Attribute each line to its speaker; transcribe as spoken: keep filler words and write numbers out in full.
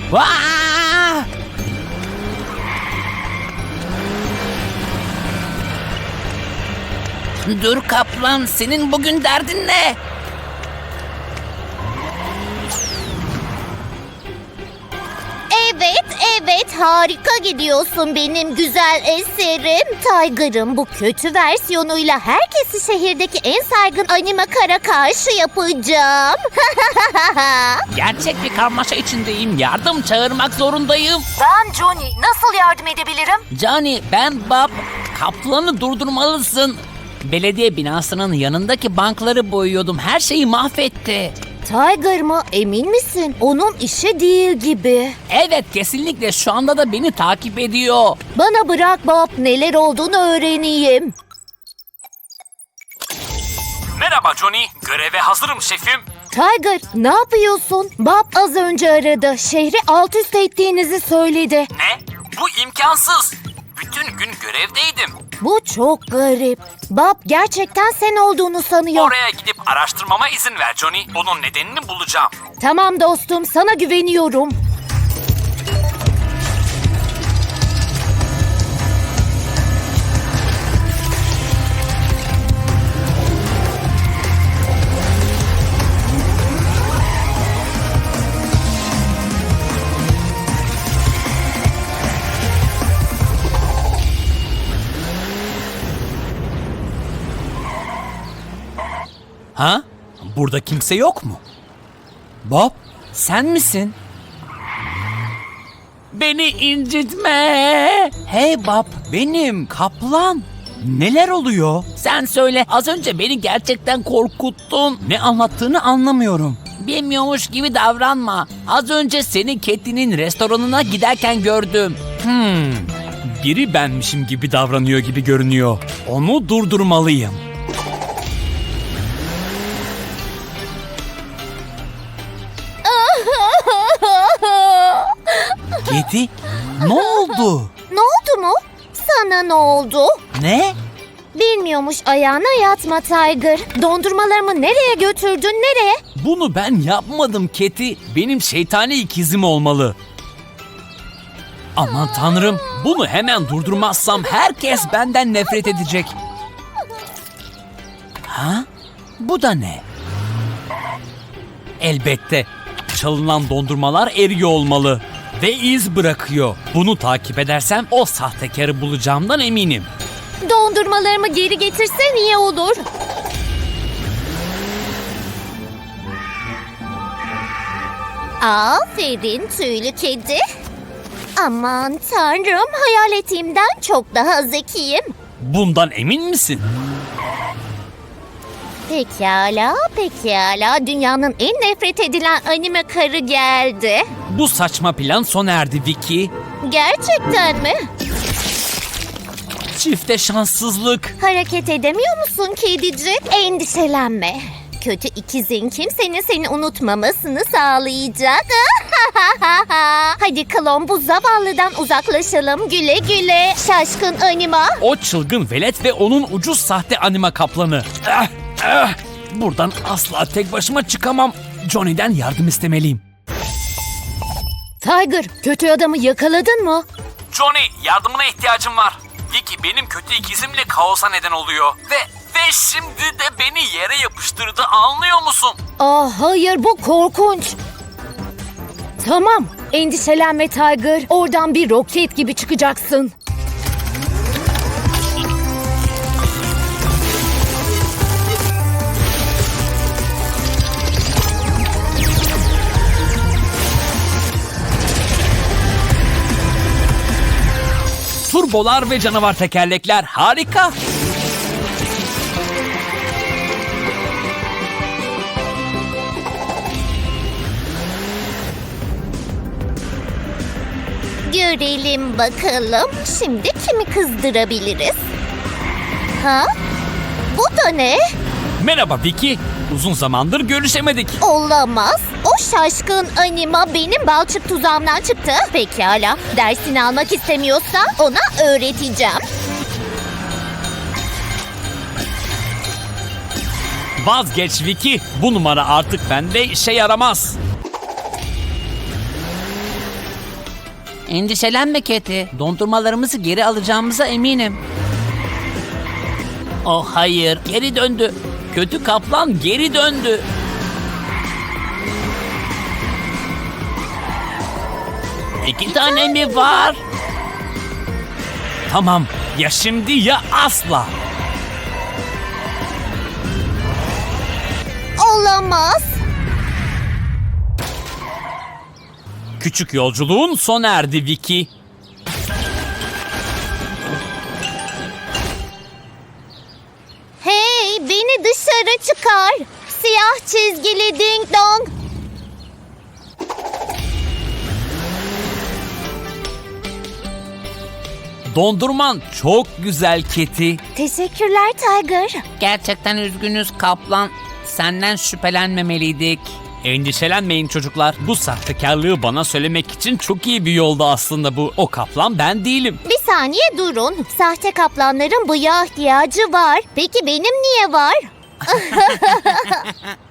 Speaker 1: Aa! Dur kaplan, senin bugün derdin ne?
Speaker 2: Evet, evet, harika gidiyorsun benim güzel eserim. Tiger'ın bu kötü versiyonuyla herkesi şehirdeki en saygın anime kara karşı yapacağım.
Speaker 1: Gerçek bir karmaşa içindeyim. Yardım çağırmak zorundayım.
Speaker 2: Ben Johnny, nasıl yardım edebilirim?
Speaker 1: Johnny, ben Bob. Kaplanı durdurmalısın. Belediye binasının yanındaki bankları boyuyordum. Her şeyi mahvetti.
Speaker 2: Tiger mı? Emin misin? Onun işi değil gibi.
Speaker 1: Evet, kesinlikle şu anda da beni takip ediyor.
Speaker 2: Bana bırak Bob, neler olduğunu öğreneyim.
Speaker 3: Merhaba Johnny, göreve hazırım şefim.
Speaker 2: Tiger, ne yapıyorsun? Bob az önce aradı. Şehri alt üst ettiğinizi söyledi.
Speaker 3: Ne? Bu imkansız. Bütün gün görevdeydim.
Speaker 2: Bu çok garip. Bob gerçekten sen olduğunu sanıyor.
Speaker 3: Oraya gidip araştırmama izin ver Johnny. Onun nedenini bulacağım.
Speaker 2: Tamam dostum, sana güveniyorum.
Speaker 1: Ha? Burada kimse yok mu? Bob, sen misin? Beni incitme. Hey Bob, benim kaplan. Neler oluyor? Sen söyle, az önce beni gerçekten korkuttun. Ne anlattığını anlamıyorum. Bilmiyormuş gibi davranma. Az önce seni Cathy'nin restoranına giderken gördüm. Hmm, biri benmişim gibi davranıyor gibi görünüyor. Onu durdurmalıyım. Cathy, ne oldu?
Speaker 2: Ne oldu mu? Sana ne oldu?
Speaker 1: Ne?
Speaker 2: Bilmiyormuş, ayağına yatma Tiger. Dondurmalarımı nereye götürdün, nereye?
Speaker 1: Bunu ben yapmadım Cathy. Benim şeytani ikizim olmalı. Aman tanrım, bunu hemen durdurmazsam herkes benden nefret edecek. Ha? Bu da ne? Elbette. Çalınan dondurmalar eriyor olmalı. Ve iz bırakıyor. Bunu takip edersem o sahtekarı bulacağımdan eminim.
Speaker 2: Dondurmalarımı geri getirsen iyi olur. Aferin tüylü kedi. Aman tanrım, hayal ettiğimden çok daha zekiyim.
Speaker 1: Bundan emin misin?
Speaker 2: Pekala, pekala. Dünyanın en nefret edilen anime karı geldi.
Speaker 1: Bu saçma plan sona erdi Vicky.
Speaker 2: Gerçekten mi?
Speaker 1: Çifte şanssızlık.
Speaker 2: Hareket edemiyor musun kedicik? Endişelenme. Kötü ikizin kimsenin seni unutmamasını sağlayacak. Hadi klon, bu zavallıdan uzaklaşalım. Güle güle şaşkın anima.
Speaker 1: O çılgın velet ve onun ucuz sahte anima kaplanı. Ah, ah. Buradan asla tek başıma çıkamam. Johnny'den yardım istemeliyim.
Speaker 2: Tiger, kötü adamı yakaladın mı?
Speaker 3: Johnny, yardımına ihtiyacım var. Vicky benim kötü ikizimle kaosa neden oluyor. Ve ve şimdi de beni yere yapıştırdı, anlıyor musun?
Speaker 2: Aa, hayır, bu korkunç. Tamam, endişelenme Tiger. Oradan bir roket gibi çıkacaksın.
Speaker 1: Turbolar ve canavar tekerlekler harika.
Speaker 2: Görelim bakalım. Şimdi kimi kızdırabiliriz? Ha? Bu da ne?
Speaker 1: Merhaba Vicky. Uzun zamandır görüşemedik.
Speaker 2: Olamaz. O şaşkın anima benim balçık tuzağımdan çıktı. Pekala. Dersini almak istemiyorsa ona öğreteceğim.
Speaker 1: Vazgeç Vicky. Bu numara artık bende işe yaramaz. Endişelenme Keti. Dondurmalarımızı geri alacağımıza eminim. Oh hayır, geri döndü. Kötü kaplan geri döndü. İki tane mi var? Tamam, ya şimdi ya asla.
Speaker 2: Olamaz.
Speaker 1: Küçük yolculuğun sona erdi Vicky.
Speaker 2: Hey, beni dışarı çıkar. Siyah çizgili ding dong.
Speaker 1: Dondurman çok güzel Keti.
Speaker 2: Teşekkürler Tiger.
Speaker 1: Gerçekten üzgünüz kaplan. Senden şüphelenmemeliydik. Endişelenmeyin çocuklar. Bu sahtekarlığı bana söylemek için çok iyi bir yolda aslında bu. O kaplan ben değilim.
Speaker 2: Bir saniye durun. Sahte kaplanların bıyığa ihtiyacı var. Peki benim niye var?